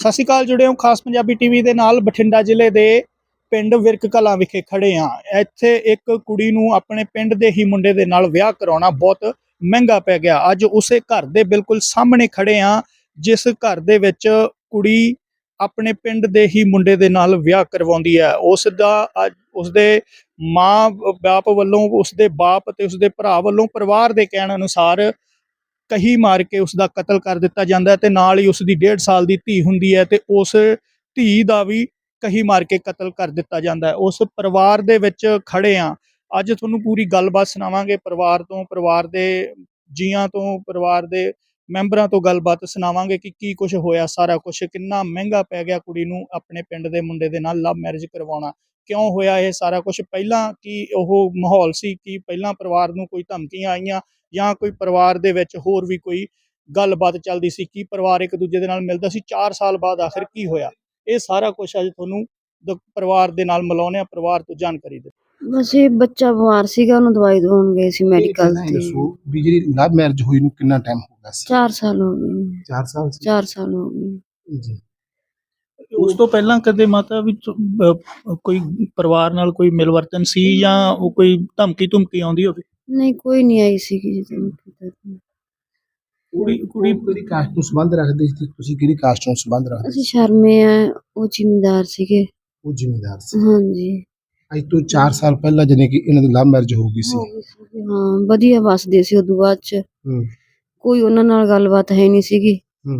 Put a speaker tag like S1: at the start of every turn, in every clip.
S1: ਸਤਿ ਸ਼੍ਰੀ ਅਕਾਲ, ਜੁੜੇ ਹੋ ਖਾਸ ਪੰਜਾਬੀ ਟੀਵੀ ਦੇ ਨਾਲ। ਬਠਿੰਡਾ ਜ਼ਿਲ੍ਹੇ ਦੇ ਪਿੰਡ ਵਿਰਕ ਕਲਾਂ ਵਿਖੇ ਖੜੇ ਹਾਂ। ਇੱਥੇ ਇੱਕ ਕੁੜੀ ਨੂੰ ਆਪਣੇ ਪਿੰਡ ਦੇ ਹੀ ਮੁੰਡੇ ਦੇ ਨਾਲ ਵਿਆਹ ਕਰਾਉਣਾ ਬਹੁਤ ਮਹਿੰਗਾ ਪੈ ਗਿਆ। ਅੱਜ ਉਸੇ ਘਰ ਦੇ ਬਿਲਕੁਲ ਸਾਹਮਣੇ ਖੜੇ ਹਾਂ, ਜਿਸ ਘਰ ਦੇ ਵਿੱਚ ਕੁੜੀ ਆਪਣੇ ਪਿੰਡ ਦੇ ਹੀ ਮੁੰਡੇ ਦੇ ਨਾਲ ਵਿਆਹ ਕਰਵਾਉਂਦੀ ਹੈ। ਉਸ ਦਾ ਉਸਦੇ ਮਾਂ ਬਾਪ ਵੱਲੋਂ, ਉਸਦੇ ਬਾਪ ਤੇ ਉਸਦੇ ਭਰਾ ਵੱਲੋਂ ਪਰਿਵਾਰ ਦੇ ਕਹਿਣ ਅਨੁਸਾਰ ਕਹੀ ਮਾਰ ਕੇ ਉਸ ਦਾ ਕਤਲ ਕਰ ਦਿੱਤਾ ਜਾਂਦਾ ਹੈ, ਤੇ ਨਾਲ ਹੀ ਉਸ ਦੀ 1.5 ਸਾਲ ਦੀ ਧੀ ਹੁੰਦੀ ਹੈ, ਤੇ ਉਸ ਧੀ ਦਾ ਵੀ ਕਹੀ ਮਾਰ ਕੇ ਕਤਲ ਕਰ ਦਿੱਤਾ ਜਾਂਦਾ ਹੈ। ਉਸ ਪਰਿਵਾਰ ਦੇ ਵਿੱਚ ਖੜੇ ਆ। ਅੱਜ ਤੁਹਾਨੂੰ ਪੂਰੀ ਗੱਲਬਾਤ ਸੁਣਾਵਾਂਗੇ, ਪਰਿਵਾਰ ਤੋਂ, ਪਰਿਵਾਰ ਦੇ ਜੀਆਂ ਤੋਂ, ਪਰਿਵਾਰ ਦੇ ਮੈਂਬਰਾਂ ਤੋਂ ਗੱਲਬਾਤ ਸੁਣਾਵਾਂਗੇ ਕਿ ਕੀ ਕੁਝ ਹੋਇਆ, ਸਾਰਾ ਕੁਝ ਕਿੰਨਾ ਮਹਿੰਗਾ ਪੈ ਗਿਆ ਕੁੜੀ ਨੂੰ ਆਪਣੇ ਪਿੰਡ ਦੇ ਮੁੰਡੇ ਦੇ ਨਾਲ ਲਵ ਮੈਰਿਜ ਕਰਵਾਉਣਾ, ਕਿਉਂ ਹੋਇਆ ਇਹ ਸਾਰਾ ਕੁਝ, ਪਹਿਲਾਂ ਕੀ ਉਹ ਮਾਹੌਲ ਸੀ, ਕਿ ਪਹਿਲਾਂ ਪਰਿਵਾਰ ਨੂੰ ਕੋਈ ਧਮਕੀਆਂ ਆਈਆਂ ਜਾਂ ਕੋਈ ਪਰਿਵਾਰ ਦੇ ਵਿੱਚ ਹੋਰ ਵੀ ਕੋਈ ਗੱਲਬਾਤ ਚੱਲਦੀ ਸੀ, ਕੀ ਪਰਿਵਾਰ ਇੱਕ ਦੂਜੇ ਦੇ ਨਾਲ ਮਿਲਦਾ ਸੀ। 4 ਸਾਲ ਬਾਅਦ ਆਖਿਰ ਕੀ ਹੋਇਆ, ਇਹ ਸਾਰਾ ਕੁਝ ਅੱਜ ਤੁਹਾਨੂੰ ਪਰਿਵਾਰ ਦੇ ਨਾਲ ਮਿਲਾਉਂਦੇ ਆ, ਪਰਿਵਾਰ ਤੋਂ ਜਾਣਕਾਰੀ ਦੇ।
S2: ਬਸ ਇਹ ਬੱਚਾ ਬਿਮਾਰ ਸੀਗਾ, ਉਹਨੂੰ ਦਵਾਈ ਦਵਾਉਣ ਗਏ ਸੀ ਮੈਡੀਕਲ ਤੇ।
S3: ਦੱਸੋ ਵੀ ਜਿਹੜੀ ਲਵ ਮੈਰਿਜ ਹੋਈ ਨੂੰ ਕਿੰਨਾ ਟਾਈਮ ਹੋ ਗਿਆ ਸੀ?
S2: 4 ਸਾਲ ਹੋ ਗਏ।
S3: 4 ਸਾਲ
S2: 4 ਸਾਲ ਹੋ ਗਏ
S3: ਜੀ।
S1: ਉਸ ਤੋਂ ਪਹਿਲਾਂ ਕਦੇ ਮਾਤਾ ਵੀ ਕੋਈ ਪਰਿਵਾਰ ਨਾਲ ਕੋਈ ਮਿਲਵਰਤਨ ਸੀ ਜਾਂ ਉਹ ਕੋਈ ਧਮਕੀ ਆਉਂਦੀ ਹੋਵੇ?
S2: ਨਹੀਂ, ਕੋਈ ਨਹੀਂ ਆਈ ਸੀਗੀ ਜੀ। ਤੈਨੂੰ ਪਤਾ ਤਾਂ।
S3: ਕੁੜੀ ਕਿਹੜੀ ਕਾਸਟ ਨੂੰ ਸੰਬੰਧ ਰੱਖਦੇ ਸੀ? ਤੁਸੀਂ ਕਿਹੜੀ ਕਾਸਟ ਨੂੰ ਸੰਬੰਧ ਰੱਖਦੇ?
S2: ਅਸੀਂ ਸ਼ਰਮੇ ਆ, ਉਹ ਜ਼ਿਮੀਂਦਾਰ ਸੀਗੇ।
S3: ਉਹ ਜ਼ਿਮੀਂਦਾਰ ਸੀ।
S2: ਹਾਂਜੀ।
S3: ਅੱਜ ਤੋਂ 4 ਸਾਲ ਪਹਿਲਾਂ ਜਾਨੀ ਕਿ ਇਹਨਾਂ ਦੀ ਲਵ ਮੈਰਿਜ ਹੋ ਗਈ ਸੀ।
S2: ਹਾਂ, ਵਧੀਆ ਵਸਦੇ ਸੀ। ਉਦੋਂ ਬਾਅਦ ਚ ਕੋਈ ਉਹਨਾਂ ਨਾਲ ਗੱਲਬਾਤ ਹੈ ਨਹੀਂ ਸੀਗੀ।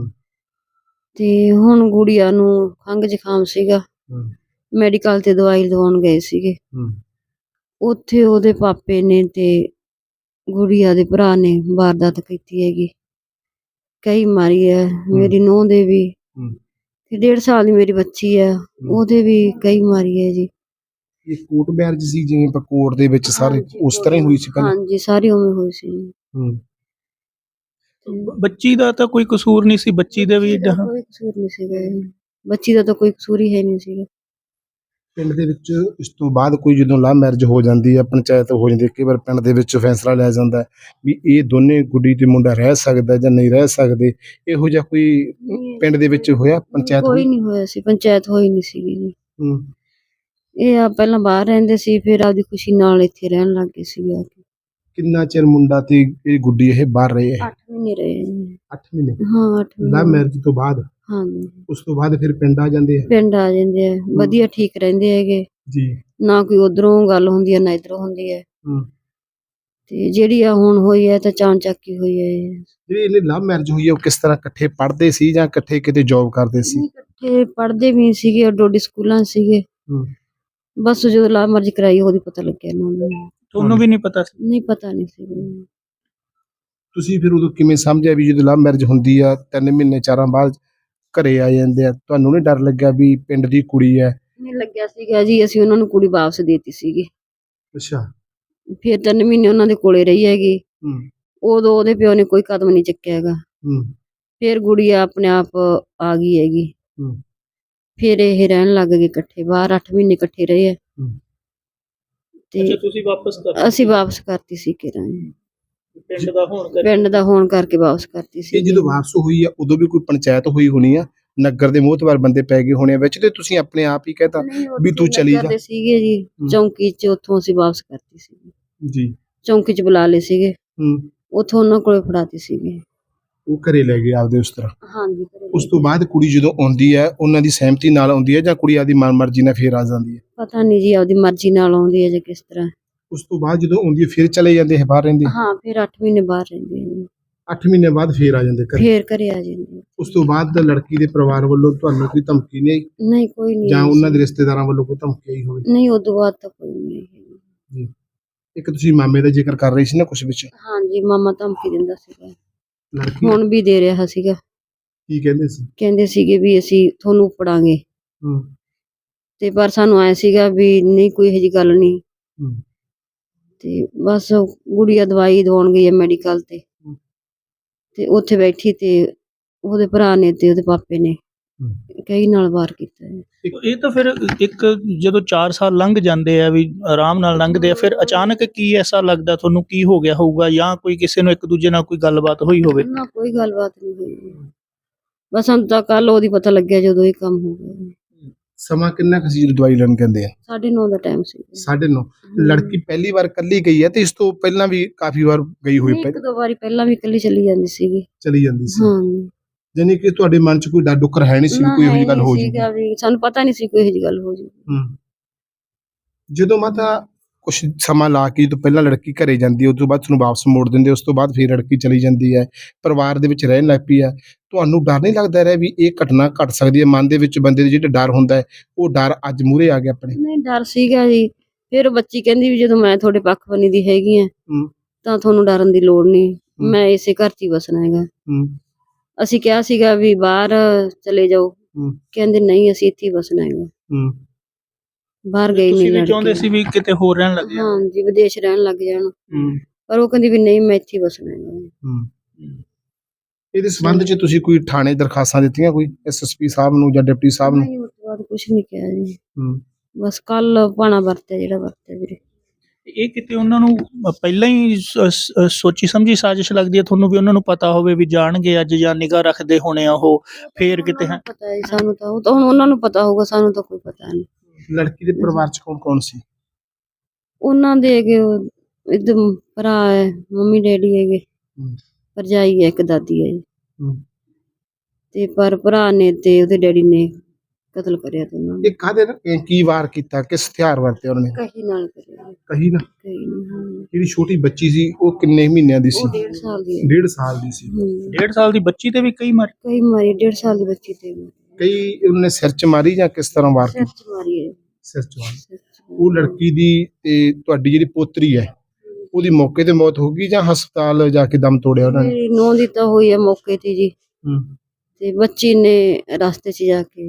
S2: ਤੇ ਹੁਣ ਗੁੜੀਆ ਨੂੰ ਖੰਘ ਜ਼ੁਕਾਮ ਸੀਗਾ, ਮੈਡੀਕਲ ਤੇ ਦਵਾਈ ਦਵਾਉਣ ਗਏ ਸੀਗੇ। ਉੱਥੇ ਉਹਦੇ ਪਾਪੇ ਨੇ ਤੇ ਗੁੜੀਆ ਦੇ ਭਰਾ ਨੇ ਵਾਰਦਾਤ ਕੀਤੀ ਹੈਗੀ, ਕਈ ਮਾਰੀ ਹੈ। ਮੇਰੀ ਨੂੰਹ ਦੇ ਵੀ ਤੇ 1.5 ਸਾਲ ਦੀ ਮੇਰੀ ਬੱਚੀ ਹੈ, ਉਹਦੇ ਵੀ ਕਈ ਮਾਰੀ ਹੈ ਜੀ।
S3: ਇਹ ਕੋਰਟ ਮੈਰਿਜ ਸੀ, ਜਿਵੇਂ ਆਪਾਂ ਕੋਰਟ ਦੇ ਵਿੱਚ ਸਾਰੇ ਉਸ ਤਰ੍ਹਾਂ ਹੀ ਹੋਈ ਸੀ ਪਹਿਲਾਂ?
S2: ਹਾਂਜੀ, ਸਾਰੀ ਉਵੇਂ ਹੋਈ ਸੀ।
S1: ਬੱਚੀ ਦਾ ਤਾਂ ਕੋਈ ਕਸੂਰ ਨਹੀਂ ਸੀ, ਬੱਚੀ ਦੇ ਵੀ
S2: ਕੋਈ ਕਸੂਰ ਨਹੀਂ ਸੀਗਾ, ਬੱਚੀ ਦਾ ਤਾਂ ਕੋਈ ਕਸੂਰ ਹੀ ਹੈ ਨਹੀਂ ਸੀਗਾ।
S3: ਪਿੰਡ ਦੇ ਵਿੱਚ ਇਸ ਤੋਂ ਬਾਅਦ ਕੋਈ ਜਦੋਂ ਲਵ ਮੈਰਿਜ ਹੋ ਜਾਂਦੀ ਹੈ, ਪੰਚਾਇਤ ਹੋ ਜਾਂਦੀ ਹੈ, ਕਈ ਵਾਰ ਪਿੰਡ ਦੇ ਵਿੱਚ ਫੈਸਲਾ ਲਿਆ ਜਾਂਦਾ ਹੈ ਵੀ ਇਹ ਦੋਨੇ ਕੁੜੀ ਤੇ ਮੁੰਡਾ ਰਹਿ ਸਕਦਾ ਜਾਂ ਨਹੀਂ ਰਹਿ ਸਕਦੇ। ਇਹੋ ਜਿਹਾ ਕੋਈ ਪਿੰਡ ਦੇ ਵਿੱਚ ਹੋਇਆ? ਪੰਚਾਇਤ
S2: ਕੋਈ ਨਹੀਂ ਹੋਇਆ ਸੀ, ਪੰਚਾਇਤ ਹੋਈ ਨਹੀਂ ਸੀਗੀ ਜੀ। ਇਹ ਆ ਪਹਿਲਾਂ ਬਾਹਰ ਰਹਿੰਦੇ ਸੀ, ਫਿਰ ਆਪਦੀ ਖੁਸ਼ੀ ਨਾਲ ਇੱਥੇ ਰਹਿਣ ਲੱਗ ਗਏ ਸੀ ਆ ਕੇ।
S3: ਕਿੰਨਾ ਚਿਰ ਮੁੰਡਾ ਤੇ ਇਹ ਗੁੱਡੀ ਇਹ ਬਾਹਰ ਰਹੇ ਹੈ?
S2: 8 ਮਹੀਨੇ ਰਹੇ ਜੀ।
S3: 8 ਮਹੀਨੇ?
S2: ਹਾਂ, 8 ਮਹੀਨੇ।
S3: ਲਵ ਮੈਰਿਜ ਤੋਂ ਬਾਅਦ?
S2: ਹਾਂਜੀ।
S3: ਉਸ ਤੋਂ ਬਾਅਦ ਫਿਰ ਪਿੰਡ ਆ ਜਾਂਦੇ ਆ?
S2: ਪਿੰਡ ਆ ਜਾਂਦੇ ਆ, ਵਧੀਆ ਠੀਕ ਰਹਿੰਦੇ ਹੈਗੇ
S3: ਜੀ।
S2: ਨਾ ਕੋਈ ਉਧਰੋਂ ਗੱਲ ਹੁੰਦੀ ਹੈ ਨਾ ਇਧਰੋਂ ਹੁੰਦੀ ਹੈ। ਤੇ ਜਿਹੜੀ ਆ ਹੁਣ ਹੋਈ ਹੈ ਤਾਂ ਚਾਣਚੱਕੀ ਹੋਈ ਹੈ।
S3: ਜਿਹੜੀ ਇਹਨੇ ਲਵ ਮੈਰਿਜ ਹੋਈ ਹੈ, ਉਹ ਕਿਸ ਤਰ੍ਹਾਂ ਇਕੱਠੇ ਪੜ੍ਹਦੇ ਸੀ ਜਾਂ ਇਕੱਠੇ ਕਿਤੇ ਜੌਬ ਕਰਦੇ ਸੀ?
S2: ਇਕੱਠੇ ਪੜ੍ਹਦੇ ਵੀ ਸੀਗੇ, ਡੋਡੀ ਸਕੂਲਾਂ ਸੀਗੇ। ਬਸ ਜਦੋਂ ਲਵ ਮੈਰਿਜ ਕਰਾਈ ਉਹਦੀ ਪਤਾ ਲੱਗਿਆ ਇਹਨਾਂ ਨੂੰ।
S1: ਤੁਹਾਨੂੰ ਵੀ ਨਹੀਂ ਪਤਾ ਸੀ?
S2: ਨਹੀਂ, ਪਤਾ ਨਹੀਂ ਸੀ।
S3: ਤੁਸੀਂ ਫਿਰ ਉਦੋਂ ਕਿਵੇਂ ਸਮਝਿਆ ਵੀ ਜਦੋਂ ਲਵ ਮੈਰਿਜ ਹੁੰਦੀ ਆ 3 ਮਹੀਨੇ 4 ਬਾਅਦ ਘਰੇ ਆ ਜਾਂਦੇ ਆ, ਤੁਹਾਨੂੰ ਨਹੀਂ ਡਰ ਲੱਗਿਆ ਵੀ ਪਿੰਡ ਦੀ ਕੁੜੀ ਹੈ?
S2: ਨਹੀਂ ਲੱਗਿਆ ਸੀਗਾ ਜੀ, ਅਸੀਂ ਉਹਨਾਂ ਨੂੰ ਕੁੜੀ ਵਾਪਸ ਦੇਤੀ ਸੀਗੀ।
S3: ਅੱਛਾ।
S2: ਫਿਰ 3 ਮਹੀਨੇ ਉਹਨਾਂ ਦੇ ਕੋਲੇ ਰਹੀ ਹੈਗੀ। ਉਦੋਂ ਉਹਦੇ ਪਿਓ ਨੇ ਕੋਈ ਕਦਮ ਨਹੀਂ ਚੱਕਿਆ ਹੈਗਾ। ਫਿਰ ਗੁੜੀਆ ਆਪਣੇ ਆਪ ਆ ਗਈ ਹੈਗੀ। ਫਿਰ ਇਹ ਰਹਿਣ ਲੱਗ ਗਏ ਇਕੱਠੇ ਬਾਹਰ, 8 ਮਹੀਨੇ ਇਕੱਠੇ ਰਹੇ ਆ। ਤੇ
S1: ਤੁਸੀਂ ਵਾਪਸ
S2: ਅਸੀਂ ਵਾਪਸ ਕਰਤੀ ਸੀ ਕਿਰਾਂ,
S1: ਪਿੰਡ ਦਾ ਹੋਣ
S2: ਕਰਕੇ ਵਾਪਸ ਕਰਤੀ ਸੀ।
S3: ਇਹ ਜਦੋਂ ਵਾਪਸ ਹੋਈ ਆ ਉਦੋਂ ਵੀ ਕੋਈ ਪੰਚਾਇਤ ਹੋਈ ਹੋਣੀ ਆ, ਨਗਰ ਦੇ ਮੋਹਤਵਾਰ ਬੰਦੇ ਪੈ ਗਏ ਹੋਣੇ ਵਿੱਚ, ਤੇ ਤੁਸੀਂ ਆਪਣੇ ਆਪ ਹੀ ਕਹਿਤਾ ਵੀ ਤੂੰ ਚਲੀ ਜਾ?
S2: ਸੀਗੇ ਜੀ ਚੌਂਕੀ ਚ, ਉੱਥੋਂ ਅਸੀਂ ਵਾਪਸ ਕਰਤੀ ਸੀ
S3: ਜੀ।
S2: ਚੌਂਕੀ ਚ ਬੁਲਾ ਲਏ ਸੀਗੇ, ਉੱਥੋਂ ਉਹਨਾਂ ਕੋਲੇ ਫੜਾਤੀ ਸੀਗੀ।
S3: ਉਹ ਘਰੇ ਲੈ ਗਏ ਆਪਦੇ ਉਸ ਤਰ੍ਹਾਂ?
S2: ਹਾਂਜੀ।
S3: ਉਸ ਤੋਂ ਬਾਅਦ ਕੁੜੀ ਜਦੋਂ ਆਉਂਦੀ ਹੈ, ਉਹਨਾਂ ਦੀ ਸਹਿਮਤੀ ਨਾਲ ਆਉਂਦੀ ਹੈ ਜਾਂ ਕੁੜੀ ਆਪਦੀ ਮਨਮਰਜ਼ੀ ਨਾਲ ਫੇਰ ਆ ਜਾਂਦੀ ਹੈ?
S2: ਪਤਾ ਨਹੀਂ ਜੀ, ਆਪਦੀ ਮਰਜ਼ੀ ਨਾਲ ਆਉਂਦੀ ਹੈ ਜਾਂ ਕਿਸ ਤਰ੍ਹਾਂ।
S3: ਉਸ ਤੋਂ ਬਾਅਦ ਜਦੋਂ ਆਉਂਦੀ ਹੈ ਫਿਰ ਚਲੇ ਜਾਂਦੇ ਹੈ, ਬਾਹਰ ਰਹਿੰਦੇ?
S2: ਹਾਂ, ਫਿਰ 8 ਮਹੀਨੇ ਬਾਹਰ ਰਹਿੰਦੇ ਆ।
S3: 8 ਮਹੀਨੇ ਬਾਅਦ ਫੇਰ ਆ ਜਾਂਦੇ ਘਰੇ?
S2: ਫੇਰ ਘਰੇ ਆ ਜਾਂਦੇ।
S3: ਉਸ ਤੋਂ ਬਾਅਦ ਲੜਕੀ ਦੇ ਪਰਿਵਾਰ ਵੱਲੋਂ ਤੁਹਾਨੂੰ ਕੋਈ ਧਮਕੀ ਨਹੀਂ ਆਈ?
S2: ਨਹੀਂ, ਕੋਈ ਨਹੀਂ।
S3: ਜਾਂ ਉਹਨਾਂ ਦੇ ਰਿਸ਼ਤੇਦਾਰਾਂ ਵੱਲੋਂ ਕੋਈ ਧਮਕੀ ਆਈ ਹੋਵੇ?
S2: ਨਹੀਂ, ਉਦੋਂ ਬਾਅਦ ਤਾਂ ਕੋਈ ਨਹੀਂ
S3: ਜੀ। ਇੱਕ ਤੁਸੀਂ ਮਾਮੇ ਦਾ ਜ਼ਿਕਰ ਕਰ ਰਹੇ ਸੀ ਨਾ ਕੁਝ ਵਿੱਚ?
S2: ਹਾਂਜੀ, ਮਾਮਾ ਧਮਕੀ ਦਿੰਦਾ ਸੀਗਾ,
S3: ਲੜਕੀ
S2: ਹੁਣ ਵੀ ਦੇ ਰਿਹਾ ਸੀਗਾ।
S3: ਕੀ ਕਹਿੰਦੇ ਸੀ?
S2: ਕਹਿੰਦੇ ਸੀਗੇ ਵੀ ਅਸੀਂ ਤੁਹਾਨੂੰ ਪੜਾਂਗੇ, ਤੇ ਪਰ ਸਾਨੂੰ ਆਇਆ ਸੀਗਾ ਵੀ ਨਹੀਂ, ਕੋਈ ਇਹੋ ਜਿਹੀ ਗੱਲ ਨਹੀਂ। ਤੇ ਬਸ ਗੁੜੀਆ ਦਵਾਈ ਦਵਾਉਣ ਗਈ ਹੈ ਮੈਡੀਕਲ ਤੇ ਉੱਥੇ ਬੈਠੀ ਤੇ ਉਹਦੇ ਭਰਾ ਨੇ ਤੇ ਉਹਦੇ ਪਾਪੇ ਨੇ ਕਈ ਨਾਲ ਵਾਰ ਕੀਤਾ ਹੈ।
S1: ਇਹ ਤਾਂ ਫਿਰ ਇੱਕ ਜਦੋਂ 4 ਸਾਲ ਲੰਘ ਜਾਂਦੇ ਆ, ਵੀ ਆਰਾਮ ਨਾਲ ਲੰਘਦੇ ਆ, ਫਿਰ ਅਚਾਨਕ ਕੀ ਐਸਾ ਲੱਗਦਾ ਤੁਹਾਨੂੰ, ਕੀ ਹੋ ਗਿਆ ਹੋਊਗਾ, ਜਾਂ ਕੋਈ ਕਿਸੇ ਨੂੰ ਇੱਕ ਦੂਜੇ ਨਾਲ ਕੋਈ ਗੱਲਬਾਤ ਹੋਈ ਹੋਵੇ?
S2: ਨਾ, ਕੋਈ ਗੱਲਬਾਤ ਨਹੀਂ ਹੋਈ। ਬਸ ਸਾਨੂੰ ਤਾਂ ਕੱਲ ਉਹਦੀ ਪਤਾ ਲੱਗਿਆ ਜਦੋਂ ਇਹ ਕੰਮ ਹੋ ਗਿਆ।
S3: ਸਮਾਂ ਕਿੰਨਾ ਕੁ ਸੀ ਜਦੋਂ ਦਵਾਈ ਲੈਣ ਕਹਿੰਦੇ ਆ?
S2: 9:30 ਦਾ ਟਾਈਮ ਸੀ।
S3: 9:30। ਲੜਕੀ ਪਹਿਲੀ ਵਾਰ ਇਕੱਲੀ ਗਈ ਹੈ ਤੇ ਇਸ ਤੋਂ ਪਹਿਲਾਂ ਵੀ ਕਾਫੀ ਵਾਰ ਗਈ ਹੋਈ
S2: ਇੱਕ ਦੋ ਵਾਰੀ ਪਹਿਲਾਂ ਵੀ ਇਕੱਲੀ ਚਲੀ ਜਾਂਦੀ ਸੀਗੀ।
S3: ਚਲੀ ਜਾਂਦੀ ਸੀ?
S2: ਹਾਂ,
S3: ਜਾਨੀ ਕਿ ਤੁਹਾਡੇ ਮਨ 'ਚ ਕੋਈ ਡਰ ਡੁੱਕਰ ਹੈ ਨਹੀਂ ਸੀ ਵੀ ਕੋਈ ਇਹੋ ਜਿਹੀ ਗੱਲ ਹੋ ਜੂਗੀ?
S2: ਸੀਗਾ ਵੀ ਸਾਨੂੰ ਪਤਾ ਨਹੀਂ ਸੀ ਕੋਈ ਇਹੋ ਜਿਹੀ ਗੱਲ ਹੋ ਜੂਗੀ।
S3: ਜਦੋਂ ਮਾਤਾ ਕੁਛ ਸਮਾਂ ਲਾ ਕੇ ਤੋਂ ਪਹਿਲਾਂ ਲੜਕੀ ਘਰੇ ਜਾਂਦੀ ਹੈ, ਉਸ ਤੋਂ ਬਾਅਦ ਤੁਹਾਨੂੰ ਵਾਪਸ ਮੋੜ ਦਿੰਦੇ, ਉਸ ਤੋਂ ਬਾਅਦ ਫਿਰ ਲੜਕੀ ਚਲੀ ਜਾਂਦੀ ਹੈ, ਪਰਿਵਾਰ ਦੇ ਵਿੱਚ ਰਹਿਣ ਲੱਗ ਪਈ ਹੈ, ਤੁਹਾਨੂੰ ਡਰ ਨਹੀਂ ਲੱਗਦਾ ਰਿਹਾ ਵੀ ਇਹ ਘਟਨਾ ਘਟ ਸਕਦੀ ਹੈ? ਮਨ ਦੇ ਵਿੱਚ ਬੰਦੇ ਦੇ ਜਿਹੜਾ ਡਰ ਹੁੰਦਾ ਹੈ ਉਹ ਡਰ ਅੱਜ ਮੂਹਰੇ ਆ ਗਿਆ ਆਪਣੇ?
S2: ਨਹੀਂ, ਡਰ ਸੀਗਾ ਜੀ। ਫਿਰ ਉਹ ਬੱਚੀ ਕਹਿੰਦੀ ਵੀ ਜਦੋਂ ਮੈਂ ਤੁਹਾਡੇ ਪੱਖ ਬਣੀ ਦੀ ਹੈਗੀ ਆ ਤਾਂ ਤੁਹਾਨੂੰ ਡਰਨ ਦੀ ਲੋੜ ਨਹੀਂ, ਮੈਂ ਇਸੇ ਘਰ 'ਚ ਹੀ ਵਸਣਾ ਹੈਗਾ। ਅਸੀਂ ਕਿਹਾ ਸੀਗਾ ਵੀ ਬਾਹਰ ਚਲੇ ਜਾਓ, ਕਹਿੰਦੇ ਨਹੀਂ ਅਸੀਂ ਇੱਥੇ ਹੀ ਵਸਣਾ ਹੈਗਾ। ਬਾਹਰ ਗਈ ਨਹੀਂ ਲੜਕੀ।
S1: ਚਾਹੁੰਦੇ ਸੀ ਵੀ ਕਿਤੇ ਹੋਰ ਰਹਿਣ ਲੱਗ ਜਾਣ?
S2: ਹਾਂ ਜੀ, ਵਿਦੇਸ਼ ਰਹਿਣ ਲੱਗ ਜਾਣ, ਪਰ ਉਹ ਕਹਿੰਦੀ ਵੀ ਨਹੀਂ ਮੈਂ ਇੱਥੇ ਹੀ ਵਸਣਾ ਹੈਗਾ।
S3: ਇਹਦੇ ਸੰਬੰਧ 'ਚ ਤੁਸੀਂ ਕੋਈ ਥਾਣੇ ਦਰਖਾਸਤਾਂ ਦਿੱਤੀਆਂ, ਕੋਈ ਐਸਐਸਪੀ ਸਾਹਿਬ ਨੂੰ ਜਾਂ ਡਿਪਟੀ ਸਾਹਿਬ ਨੂੰ?
S2: ਨਹੀਂ, ਉਸ ਤੋਂ ਬਾਅਦ ਕੁਝ ਨਹੀਂ ਕਿਹਾ ਜੀ। ਬਸ ਕੱਲ ਭਾਣਾ ਵਰਤਿਆ ਜਿਹੜਾ ਵਰਤਿਆ ਵੀਰੇ।
S1: ਇਹ ਕਿਤੇ ਉਹਨਾਂ ਨੂੰ ਪਹਿਲਾਂ ਹੀ ਸੋਚੀ ਸਮਝੀ ਸਾਜ਼ਿਸ਼ ਲੱਗਦੀ ਹੈ ਤੁਹਾਨੂੰ ਵੀ ਉਹਨਾਂ ਨੂੰ ਪਤਾ ਹੋਵੇ ਵੀ ਜਾਣਗੇ ਅੱਜ ਜਾਂ ਨਿਗਾਹ ਰੱਖਦੇ ਹੋਣੇ ਆ ਉਹ, ਫੇਰ ਕਿਤੇ? ਹੈ
S2: ਪਤਾ ਹੈ ਸਾਨੂੰ ਤਾਂ, ਉਹ ਤਾਂ ਹੁਣ ਉਹਨਾਂ ਨੂੰ ਪਤਾ ਹੋਊਗਾ, ਸਾਨੂੰ ਤਾਂ ਕੋਈ ਪਤਾ ਨਹੀਂ।
S3: ਲੜਕੀ ਦੇ ਪਰਿਵਾਰ 'ਚ ਕੌਣ ਕੌਣ ਸੀ?
S2: ਉਹਨਾਂ ਦੇ ਹੈਗੇ ਇੱਧਰ ਭਰਾ ਹੈ, ਮੰਮੀ ਡੈਡੀ ਹੈਗੇ, ਭਰਜਾਈ ਹੈ, ਇੱਕ ਦਾਦੀ ਹੈ ਜੀ। ਤੇ ਪਰ ਭਰਾ ਨੇ ਤੇ ਉਹਦੇ ਡੈਡੀ ਨੇ ਕਤਲ ਕਰਿਆ ਤੇ ਉਹਨਾਂ ਨੇ।
S3: ਇਹ ਕਾਹਦੇ ਨਾਲ ਕੀ ਵਾਰ ਕੀਤਾ, ਕਿਸ ਹਥਿਆਰ ਵਰਤੇ ਉਹਨਾਂ ਨੇ?
S2: ਕਹੀ ਨਾਲ ਕਰਿਆ।
S3: ਕਹੀ ਨਾ?
S2: ਕਹੀ ਨਾਲ।
S3: ਜਿਹੜੀ ਛੋਟੀ ਬੱਚੀ ਸੀ ਉਹ ਕਿੰਨੇ ਮਹੀਨਿਆਂ ਦੀ ਸੀ?
S2: ਉਹ 1.5 ਸਾਲ ਦੀ ਹੈ।
S3: 1.5 ਸਾਲ ਦੀ ਸੀ?
S1: 1.5 ਸਾਲ ਦੀ ਬੱਚੀ ਤੇ ਵੀ ਕਈ ਮਾਰੇ?
S2: ਕਈ ਮਾਰੀ, 1.5 ਸਾਲ ਦੀ ਬੱਚੀ ਤੇ ਵੀ।
S3: ਕਈ ਉਹਨੇ ਸਿਰ 'ਚ ਮਾਰੀ ਜਾਂ ਕਿਸ ਤਰ੍ਹਾਂ ਵਾਰ
S2: ਸਿਰ
S3: ਕੀਤੀ?
S2: 'ਚ ਮਾਰੀ ਹੈ।
S3: ਸਿਰ 'ਚ ਮਾਰੀ। ਉਹ ਲੜਕੀ ਦੀ ਤੇ ਤੁਹਾਡੀ ਜਿਹੜੀ ਪੋਤਰੀ ਹੈ ਉਹਦੀ ਮੌਕੇ ਤੇ ਮੌਤ ਹੋ ਗਈ ਜਾਂ ਹਸਪਤਾਲ ਜਾ ਕੇ ਦਮ ਤੋੜਿਆ ਉਹਨਾਂ ਨੇ?
S2: ਮੇਰੀ ਨੂੰਹ ਦੀ ਤਾਂ ਹੋਈ ਹੈ ਮੌਕੇ ਤੇ ਜੀ, ਤੇ ਬੱਚੀ ਨੇ ਰਸਤੇ 'ਚ ਜਾ ਕੇ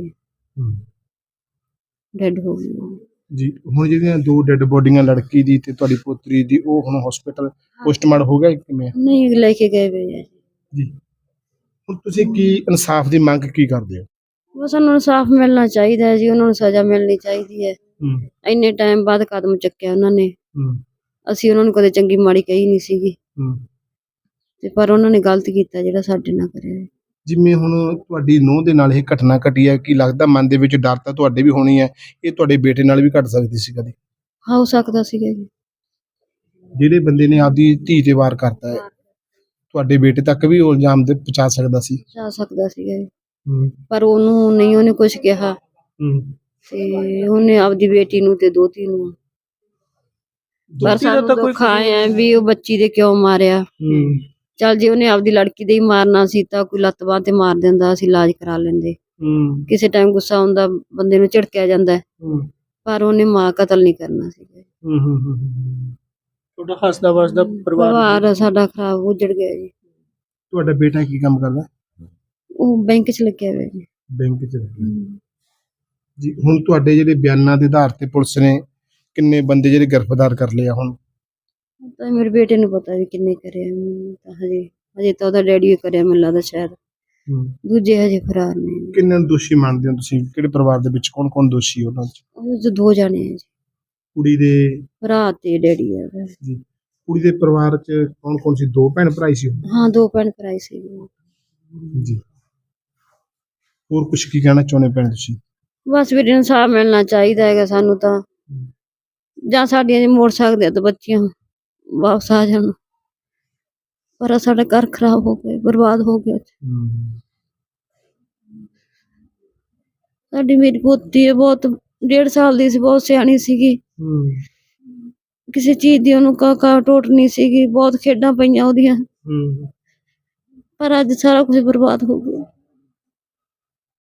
S2: ਡੈਡ ਹੋ ਗਈ
S3: ਜੀ। ਹੁਣ ਜਿਹੜੀਆਂ ਦੋ ਡੈਡ ਬੋਡੀਆਂ ਲੜਕੀ ਦੀ ਤੇ ਤੁਹਾਡੀ ਪੋਤਰੀ ਦੀ, ਉਹ ਹੁਣ ਹਸਪੀਟਲ ਪੋਸਟਮਾਰਟਮ ਹੋ ਗਿਆ ਕਿਵੇਂ?
S2: ਨਹੀਂ, ਲੈ ਕੇ ਗਏ ਵੇ
S3: ਜੀ। ਹੁਣ ਤੁਸੀਂ ਕੀ ਇਨਸਾਫ ਦੀ ਮੰਗ ਕੀ ਕਰਦੇ ਹੋ?
S2: ਬਸ ਉਹਨਾਂ ਨੂੰ ਇਨਸਾਫ ਮਿਲਣਾ ਚਾਹੀਦਾ ਹੈ ਜੀ, ਉਹਨਾਂ ਨੂੰ ਸਜ਼ਾ ਮਿਲਣੀ ਚਾਹੀਦੀ ਹੈ। ਇੰਨੇ ਟਾਈਮ ਬਾਅਦ ਕਦਮ ਚੱਕਿਆ ਉਹਨਾਂ ਨੇ, ਅਸੀਂ ਉਹਨਾਂ ਨੂੰ ਕਦੇ ਚੰਗੀ ਮਾੜੀ ਕਹੀ ਨਹੀਂ ਸੀਗੀ, ਤੇ ਪਰ ਉਹਨਾਂ ਨੇ ਗਲਤ ਕੀਤਾ ਜਿਹੜਾ ਸਾਡੇ ਨਾਲ ਕਰਿਆ।
S3: ਜਿਵੇਂ ਹੁਣ ਤੁਹਾਡੀ ਨੂੰਹ ਦੇ ਨਾਲ ਇਹ ਘਟਨਾ ਘਟੀ ਹੈ, ਕੀ ਲੱਗਦਾ ਮਨ ਦੇ ਵਿੱਚ ਡਰ ਤਾਂ ਤੁਹਾਡੇ ਵੀ ਹੋਣੀ ਹੈ, ਇਹ ਤੁਹਾਡੇ ਬੇਟੇ ਨਾਲ ਵੀ ਘਟ ਸਕਦੀ ਸੀ ਕਦੇ?
S2: ਹੋ ਸਕਦਾ ਸੀਗਾ ਜੀ।
S3: ਜਿਹੜੇ ਬੰਦੇ ਨੇ ਆਪਦੀ ਧੀ ਤੇ ਵਾਰ ਕਰਤਾ ਹੈ, ਤੁਹਾਡੇ ਬੇਟੇ ਤੱਕ ਵੀ ਉਹ ਇਲਜ਼ਾਮ ਦੇ ਪਹੁੰਚਾ ਸਕਦਾ ਸੀ?
S2: ਜਾ ਸਕਦਾ ਸੀਗਾ ਜੀ, ਪਰ ਉਹਨੂੰ ਨਹੀਂ, ਉਹਨੇ ਕੁਝ ਕਿਹਾ ਤੇ ਉਹਨੇ ਆਪਦੀ ਬੇਟੀ ਨੂੰ ਤੇ ਦੋਤੀ ਨੂੰ। ਪਰ ਸਾਨੂੰ ਦੁੱਖ ਆਇਆ ਵੀ ਉਹ ਬੱਚੀ ਦੇ ਕਿਉਂ ਮਾਰਿਆ। ਚੱਲ ਜੇ ਉਹਨੇ ਆਪਦੀ ਲੜਕੀ ਦੇ ਹੀ ਮਾਰਨਾ ਸੀ ਤਾਂ ਕੋਈ ਲੱਤ ਬਾਂਹ ਤੇ ਮਾਰ ਦਿੰਦਾ, ਅਸੀਂ ਇਲਾਜ ਕਰਾ ਲੈਂਦੇ। ਕਿਸੇ ਟਾਈਮ ਗੁੱਸਾ ਆਉਂਦਾ, ਬੰਦੇ ਨੂੰ ਝਿੜਕਿਆ ਜਾਂਦਾ, ਪਰ ਉਹਨੇ ਮਾਂ ਕਤਲ ਨਹੀਂ ਕਰਨਾ ਸੀਗਾ।
S1: ਤੁਹਾਡਾ ਹੱਸਦਾ ਵਸਦਾ
S2: ਪਰਿਵਾਰ ਸਾਡਾ ਖਰਾਬ ਉਜੜ ਗਿਆ ਜੀ।
S3: ਤੁਹਾਡਾ ਬੇਟਾ ਕੀ ਕੰਮ ਕਰਦਾ?
S2: ਉਹ ਬੈਂਕ 'ਚ ਲੱਗਿਆ ਹੋਇਆ ਜੀ।
S3: ਬੈਂਕ 'ਚ ਲੱਗਿਆ ਜੀ। ਹੁਣ ਤੁਹਾਡੇ ਜਿਹੜੇ ਬਿਆਨਾਂ ਦੇ ਆਧਾਰ ਤੇ ਪੁਲਿਸ ਨੇ ਕਿੰਨੇ ਬੰਦੇ ਜਿਹੜੇ ਗ੍ਰਿਫਤਾਰ ਕਰ ਲਏ ਆ ਹੁਣ?
S2: ਤਾਂ ਮੇਰੇ ਬੇਟੇ ਨੂੰ ਪਤਾ ਵੀ ਕਿੰਨੇ ਕਰਿਆ, ਤਾਂ ਹਜੇ ਤਾਂ ਉਹਦਾ ਡੈਡੀ ਕਰਿਆ ਮੈਨੂੰ ਲੱਗਦਾ ਸ਼ਾਇਦ, ਦੂਜੇ ਹਜੇ ਫਰਾਰ ਨੇ।
S3: ਕਿੰਨੇ ਨੂੰ ਦੋਸ਼ੀ ਮੰਨਦੇ ਹੋ ਤੁਸੀਂ? ਕਿਹੜੇ ਪਰਿਵਾਰ ਦੇ ਵਿੱਚ ਕੌਣ ਕੌਣ ਦੋਸ਼ੀ ਉਹਨਾਂ 'ਚ?
S2: ਉਹਦੇ 'ਚ 2 ਜਾਣੇ ਆ ਜੀ,
S3: ਕੁੜੀ ਦੇ
S2: ਭਰਾ ਤੇ ਡੈਡੀ ਆ
S3: ਜੀ। ਕੁੜੀ ਦੇ ਪਰਿਵਾਰ 'ਚ ਕੌਣ ਕੌਣ ਸੀ? 2 ਭੈਣ ਭਰਾ ਸੀ?
S2: ਹਾਂ, 2 ਭੈਣ ਭਰਾ ਸੀ
S3: ਜੀ। ਹੋਰ ਕੁਝ ਕੀ ਕਹਿਣਾ ਚਾਹੁੰਦੇ ਭੈਣ ਤੁਸੀਂ?
S2: ਬਸ ਵੀਰੇ ਇਨਸਾਫ ਮਿਲਣਾ ਚਾਹੀਦਾ ਹੈਗਾ ਸਾਨੂੰ ਤਾਂ, ਜਾਂ ਸਾਡੀਆਂ ਜੇ ਮੋੜ ਸਕਦੇ ਆ ਤਾਂ ਬੱਚੀਆਂ ਵਾਪਸ ਆ ਜਾਣ, ਪਰ ਸਾਡਾ ਘਰ ਖਰਾਬ ਹੋ ਗਿਆ, ਬਰਬਾਦ ਹੋ ਗਿਆ। ਸਾਡੀ ਮੇਰੀ ਪੋਤੀ ਹੈ, ਬਹੁਤ 1.5 ਸਾਲ ਦੀ ਸੀ, ਬਹੁਤ ਸਿਆਣੀ ਸੀਗੀ, ਕਿਸੇ ਚੀਜ਼ ਦੀ ਉਹਨੂੰ ਕਾ ਟੋਟ ਨਹੀਂ ਸੀਗੀ, ਬਹੁਤ ਖੇਡਾਂ ਪਈਆਂ ਉਹਦੀਆਂ, ਪਰ ਅੱਜ ਸਾਰਾ ਕੁਝ ਬਰਬਾਦ ਹੋ ਗਿਆ।